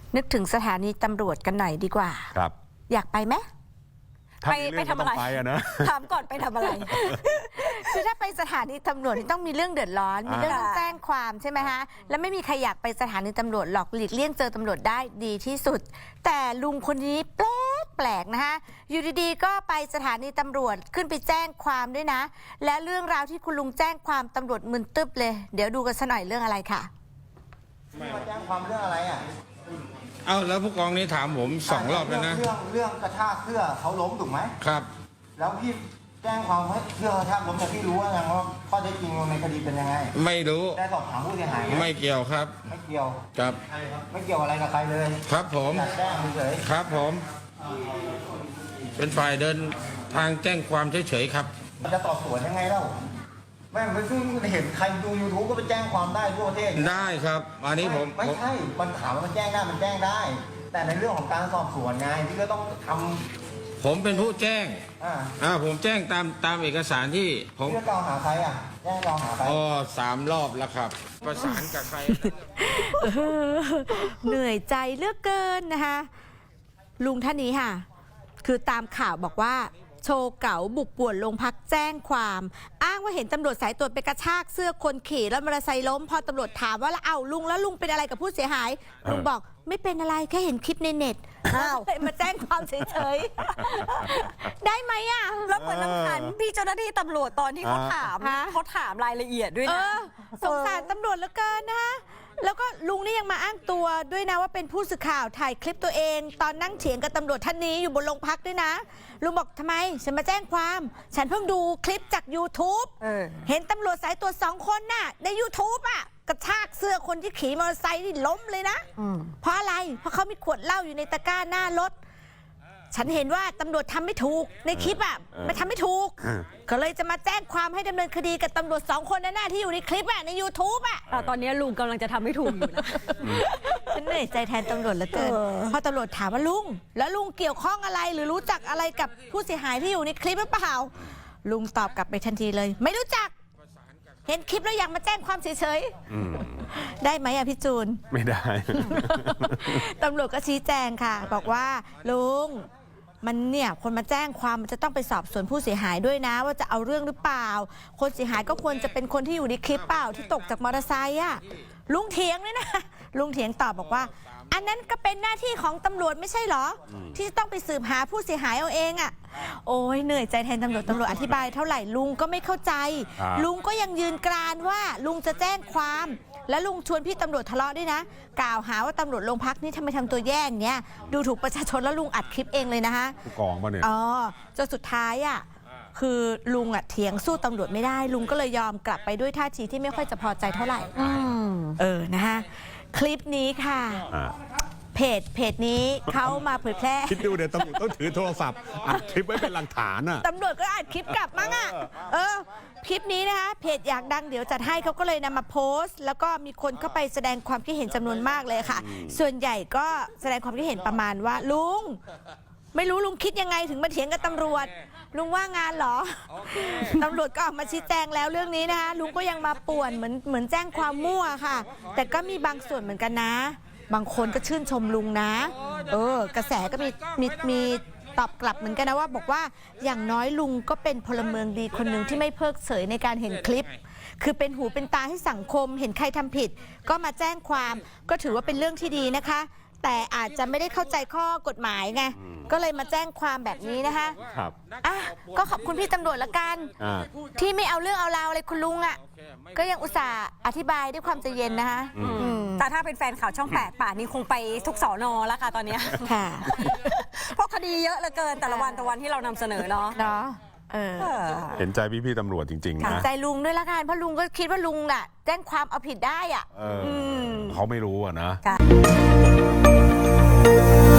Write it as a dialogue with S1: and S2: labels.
S1: นึกถึงสถานีตำรวจกันหน่อยดีกว่า
S2: ครับ
S1: อยากไปไหม
S2: ไปทำอะไรนะ
S1: ถามก่อนไปทำอะไร คือถ้าไปสถานีตำรวจต้องมีเรื่องเดือดร้อนมีเรื่องต้องแจ้งความใช่ไหมฮะแล้วไม่มีใครอยากไปสถานีตำรวจหรอกหลีกเลี่ยงเจอตำรวจได้ดีที่สุดแต่ลุงคนนี้แปลกนะฮะอยู่ดีๆก็ไปสถานีตำรวจขึ้นไปแจ้งความด้วยนะและเรื่องราวที่คุณลุงแจ้งความตำรวจมึนตึ๊บเลยเดี๋ยวดูกันสักหน่อยเรื่องอะไรค่ะ
S3: มาแจ้งความเรื่องอะไรอ่ะ
S4: เอาแล้วผู้กองนี้ถามผม2 รอบแล้วนะ
S3: เรื่องกระชากเสื้อเขาล้มถูกไหม
S4: ครับ
S3: แล้วพี่แจ้งความให้เสื้อกระชากล้มแต่พี่รู้ว่ายังว่าข้อเท็จจริงในคดีเป็นยังไง
S4: ไม่รู้
S3: ได้สอบถามผู้เสียหาย
S4: ไม่เกี่ยวครับ
S3: ไม่เกี่ยว
S4: ครับ
S3: ไม่เกี่ยวอะไรกับใครเลย
S4: ครับผม
S3: แจ้งเฉย
S4: ครับผมเป็นฝ่ายเดินทางแจ้งความเฉยๆครับ
S3: จะสอบสวนยังไงเล่าแม่งไปซึ่งเห็นใครดู YouTube ก็ไปแจ้งความได้ทั่วประเทศ
S4: ได้ครับอันนี้ผม
S3: ไม่ใช่มันถามว่ามันแจ้งได้มันแจ้งได้แต่ในเรื่องของการสอบสวนไงพี่ก็ต้องทำ
S4: ผมเป็นผู้แจ้งผมแจ้งตามเอกสารที่ผม
S3: พี่กล่าวหาใครอ่ะแจ้งกล่าวหาใคร
S4: 3 รอบแล้วครับประสานกับใคร
S1: เหนื่อยใจเหลือกเกินนะคะลุงท่านนี้ค่ะคือตามข่าวบอกว่าโชว์เก๋าบุกป่วนโรงพักแจ้งความอ้างว่าเห็นตำรวจสายตรวจไปกระชากเสื้อคนขี่แล้วมอเตอร์ไซค์ล้มพอตำรวจถามว่าแล้วลุงเป็นอะไรกับผู้เสียหายลุงบอกไม่เป็นอะไรแค่เห็นคลิปในเน็ตมาแจ้งความเฉยๆได้ไหมอ่ะ
S5: แล้วเหมือนน้ำขันพี่เจ้าหน้าที่ตำรวจตอนที่เขาถามรายละเอียดด้วยนะ
S1: สงสารตำรวจเหลือเกินนะคะแล้วก็ลุงนี่ยังมาอ้างตัวด้วยนะว่าเป็นผู้สื่อข่าวถ่ายคลิปตัวเองตอนนั่งเถียงกับตำรวจท่านนี้อยู่บนโรงพักด้วยนะลุงบอกทำไมฉันมาแจ้งความฉันเพิ่งดูคลิปจาก YouTube เห็นตำรวจสายตรวจ2 คนน่ะใน YouTube อ่ะกระชากเสื้อคนที่ขี่มอเตอร์ไซค์นี่ล้มเลยนะเพราะอะไรเพราะเขามีขวดเหล้าอยู่ในตะกร้าหน้ารถฉันเห็นว่าตำรวจทำไม่ถูกในคลิปอ่ะมันทำไม่ถูกก็เลยจะมาแจ้งความให้ดำเนินคดีกับตำรวจ2 คนนั่นน่ะที่อยู่ในคลิปอ่ะใน YouTube อ่ะ
S5: ตอนนี้ลุงกำลังจะทำไม่ถูกอยู่นะ
S1: ฉันเหนื่อยใจแทนตำรวจเหลือเกินพอตำรวจถามว่าลุงแล้วลุงเกี่ยวข้องอะไรหรือรู้จักอะไรกับผู้เสียหายที่อยู่ในคลิปหรือเปล่าลุงตอบกลับไปทันทีเลยไม่รู้จักเห็นคลิปแล้วอยากมาแจ้งความเฉยๆได้ไหมอะพี่จูน
S2: ไม่ได้
S1: ตำรวจก็ชี้แจงค่ะบอกว่าลุงมันเนี่ยคนมาแจ้งความมันจะต้องไปสอบสวนผู้เสียหายด้วยนะว่าจะเอาเรื่องหรือเปล่าคนเสียหายก็ควรจะเป็นคนที่อยู่ในคลิปเปล่าที่ตกจากมอเตอร์ไซค์อะลุงเถียงเลยนะลุงเถียงตอบบอกว่าอันนั้นก็เป็นหน้าที่ของตำรวจไม่ใช่เหรอที่จะต้องไปสืบหาผู้เสียหายเอาเองอะโอ้ยเหนื่อยใจแทนตำรวจอธิบายเท่าไหร่ลุงก็ไม่เข้าใจลุงก็ยังยืนกรานว่าลุงจะแจ้งความและลุงชวนพี่ตำรวจทะเลาะด้วยนะกล่าวหาว่าตำรวจโรงพักนี่ทำไมทำตัวแย่งเนี้ยดูถูกประชาชนแล้วลุงอัดคลิปเองเลยนะคะ
S2: ผู้กองป่ะเนี่ย
S1: จนสุดท้ายอ่ะคือลุงอ่ะเถียงสู้ตำรวจไม่ได้ลุงก็เลยยอมกลับไปด้วยท่าทีที่ไม่ค่อยจะพอใจเท่าไหร่นะคะคลิปนี้ค่ะเพจนี้เขามาเผยแพร่
S2: คิดดูเดี๋ยวตำรวจต้องถือโทรศัพท์อัดคลิปไว้เป็นหลักฐานอ่ะ
S1: ตำรวจก็อัดคลิปกลับมั้งอ่ะคลิปนี้นะคะเพจอยากดังเดี๋ยวจัดให้เขาก็เลยนำมาโพสต์แล้วก็มีคนเข้าไปแสดงความคิดเห็นจำนวนมากเลยค่ะส่วนใหญ่ก็แสดงความคิดเห็นประมาณว่าลุงไม่รู้ลุงคิดยังไงถึงมาเถียงกับตำรวจลุงว่างานเหรอตำรวจก็ออกมาชี้แจงแล้วเรื่องนี้นะคะลุงก็ยังมาป่วนเหมือนแจ้งความมั่วค่ะแต่ก็มีบางส่วนเหมือนกันนะบางคนก็ชื่นชมลุงนะกระแสก็มีตอบกลับเหมือนกันนะว่าบอกว่าอย่างน้อยลุงก็เป็นพลเมืองดีคนหนึ่งที่ไม่เพิกเฉยในการเห็นคลิปคือเป็นหูเป็นตาให้สังคมเห็นใครทำผิดก็มาแจ้งความก็ถือว่าเป็นเรื่องที่ดีนะคะแต่อาจจะไม่ได้เข้าใจข้อกฎหมายไงก็เลยมาแจ้งความแบบนี้นะคะ
S2: ครับ
S1: ก็ขอบคุณพี่ตำรวจละกันที่ไม่เอาเรื่องเอาราวอะไรคุณลุงอ่ะก็ยังอุตส่าห์อธิบายด้วยความใจเย็นนะคะ
S5: แต่ถ้าเป็นแฟนข่าวช่อง8ป่านนี้คงไปทุกสน.แล้วค่ะตอนนี้
S1: ค่ะ
S5: เพราะคดีเยอะเหลือเกินแต่ละวันที่เรานำเสนอเนาะ
S2: เห็นใจพี่ตำรวจจริงๆนะ
S1: ใจลุงด้วยละกันเพราะลุงก็คิดว่าลุงน่ะแจ้งความเอาผิดได้อ่ะ
S2: เขาไม่รู้อ่ะนะ